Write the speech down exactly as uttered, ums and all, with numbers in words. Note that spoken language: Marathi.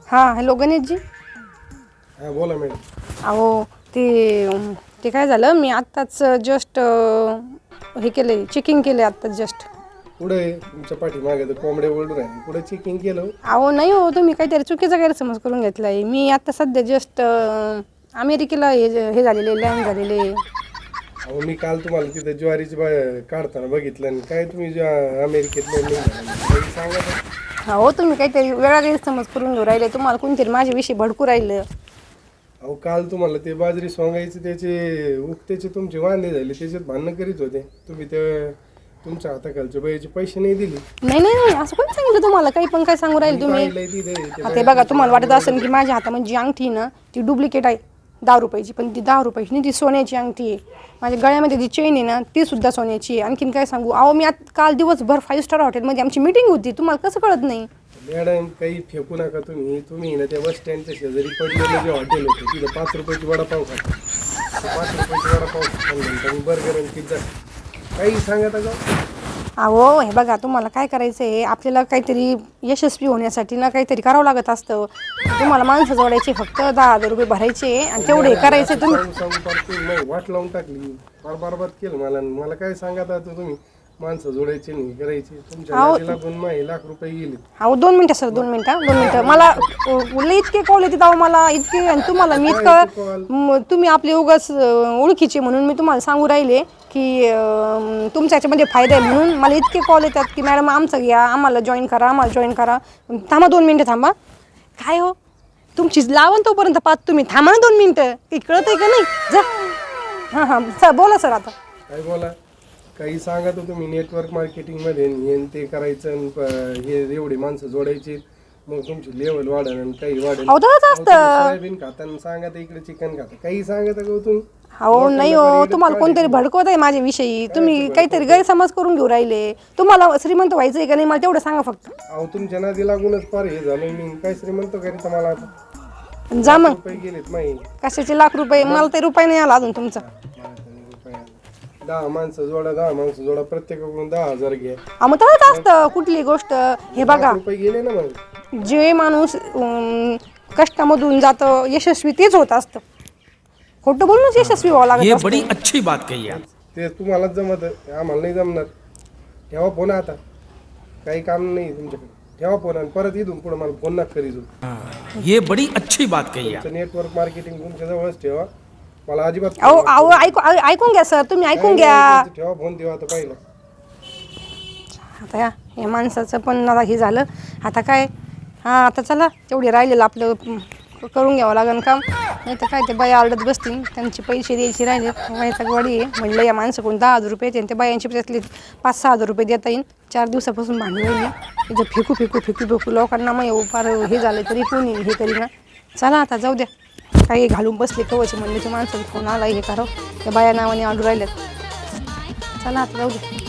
हां हॅलो गणेशजी. हां बोला मॅडम. अहो ते ते काय झालं, मी आत्ताच जस्ट हे केले, चेकिंग केले आत्ताच जस्ट. पुढे तुमच्या पाठीमागे तर कोंबड्या ओरडून राहिले, पुढे चेकिंग केलं? अहो नाही हो, तुम्ही काहीतरी चुकीचा गैरसमज करून घेतला आहे. मी आता सध्या जस्ट अमेरिकेला हे हे झालेले लँड झालेले. अहो मी काल तुम्हाला तिथे ज्वारीची बा काढताना बघितलं आणि काय तुम्ही ज्या अमेरिकेत लँडिंग सांगा. हो तुम्ही काहीतरी वेगळा गैरसमज करून घेऊ राहिले, तुम्हाला कोणतरी माझ्याविषयी भडकू राहिलं. अहो काल तुम्हाला ते बाजरी सोंगायचे त्याचे उक्त्याचे तुमचे वांदे झाले, त्याच्यात भांडणं करीत होते तुम्ही. ते तुमच्या हाताखालच्या बाईचे पैसे नाही दिले. नाही नाही नाही असं कोणी सांगितलं तुम्हाला? काही पण काय सांगू राहील तुम्ही? ते बघा, तुम्हाला वाटत असेल की माझ्या हातामध्ये जी अंगठी ना ती डुप्लिकेट आहे दहा रुपयाची, पण ती दहा रुपयाची नाही, ती सोन्याची अंगठी आहे. माझ्या गळ्यामध्ये जी चेन आहे ना ती सुद्धा सोन्याची आहे. आणखीन काय सांगू? अहो मी आता काल दिवसभर फाईव्ह स्टार हॉटेलमध्ये आमची मीटिंग होती, तुम्हाला कसं कळत नाही? मॅडम काही फेकू नका तुम्ही. तुम्ही ना त्या बस स्टँडच्या शेजारी पडलेलं जे हॉटेल होतं तिथं पाच रुपयाची वडापाव खाता, पाच रुपयाची वडापाव खाल्लं बर्गर आणि पिझ्झा काही सांगत का? अहो हे बघा, तुम्हाला काय करायचं आहे, आपल्याला काहीतरी यशस्वी होण्यासाठी ना काहीतरी करावं लागत असतं. तुम्हाला माणसं जोडायची, फक्त दहा हजार रुपये भरायचे आणि तेवढे करायचे. तुम्ही सांगू वाट लावून टाकली, फार बरबाद केलं मला. मला काय सांगत आता तुम्ही? माणसं जोडायची नाही, करायची तुमच्या लागून माही लाख रुपये गेले. अहो दोन मिनिटं सर, दोन मिनिटं दोन मिनिटं मला इतके कॉल येते अहो मला इतके, आणि तुम्हाला मी इतकं, तुम्ही आपले उगाच ओळखीचे म्हणून मी तुम्हाला सांगू राहिले की तुमच्या याच्यामध्ये फायदा आहे म्हणून मला इतके कॉल येतात की मॅडम आमचं घ्या, आम्हाला जॉईन करा, आम्हाला जॉईन करा. थांबा दोन मिनटं थांबा. काय हो तुमची लावण तोपर्यंत पाच, तुम्ही थांबा ना दोन मिनटं. काही कळत आहे का नाही? जा. हां हां सर बोला सर. आता काय बोला? काही सांगा तर तुम्ही नेटवर्क मार्केटिंगमध्ये हे ते करायचं, हे एवढी माणसं जोडायची, मग तुमची लेवल वाढेल आणि काही वाढेल. सोयाबीन खाता सांगा तर इकडे चिकन खाता, काही सांगा तर तुम्ही. हो नाही हो, तुम्हाला कोणतरी भडकवत आहे माझ्याविषयी. तुम्ही काहीतरी गैरसमज करून घेऊ राहिले. तुम्हाला श्रीमंत व्हायचं आहे का नाही मला तेवढं सांगा फक्त. अहो तुमच्या नादी लागूनच फार हे झालं. मी काय श्रीमंत करीत मला आता? जा मग. रुपये गेलेत माही. कशाचे लाख रुपये? मला ते रुपये नाही आला अजून तुमचा. दहा माणसं जोडा, दहा माणसं जोडा, प्रत्येकाकडून दहा हजार घ्या. मग तसंच असतं कुठली गोष्ट. हे बघा, रुपये गेले ना मग. जे माणूस कष्टामधून जातं यशस्वी तेच होत असतं. खोटं बोलूनच यशस्वी व्हावं लागत. ये बड़ी अच्छी बात कही आप. ते तुम्हालाच जमत, आम्हाला नाही जमणार. ठेवा फोन आता, काही काम नाही तुमच्याकडे. ठेवा फोन आणि परत इथून पुढे मला फोन नका करीत. ये बड़ी अच्छी बात कही आप. नेटवर्क मार्केटिंग तुमच्या जवळच ठेवा. मला अजिबात अहो अहो ऐकू ऐकून घ्या सर, तुम्ही ऐकून घ्या. ठेवा फोन, देवा आता पाहिलं. आता या या माणसाचं पण आता हे झालं. आता काय, हां आता चला तेवढे राहिलेलं आपलं करून घ्यावं लागेल काम. नाही तर काय ते बाई आरडत बसतील, त्यांचे पैसे द्यायचे राहिले. माहिती गाडी आहे म्हणलं या माणसाकडून दहा हजार रुपये येते आणि त्या बायांचे त्यातले पाच सहा हजार रुपये देता येईल. चार दिवसापासून भांडण राहिली इथं, फेकू फेकू फेकू फेकू लोकांना मग फार हे झालं तरी कोणी हे करीना. चला आता जाऊ द्या, काही घालून बसले कवचे म्हणले ते माणसाला फोन आला हे करावं. त्या बाया नावाने आडू राहिल्यात. चला आता जाऊ द्या.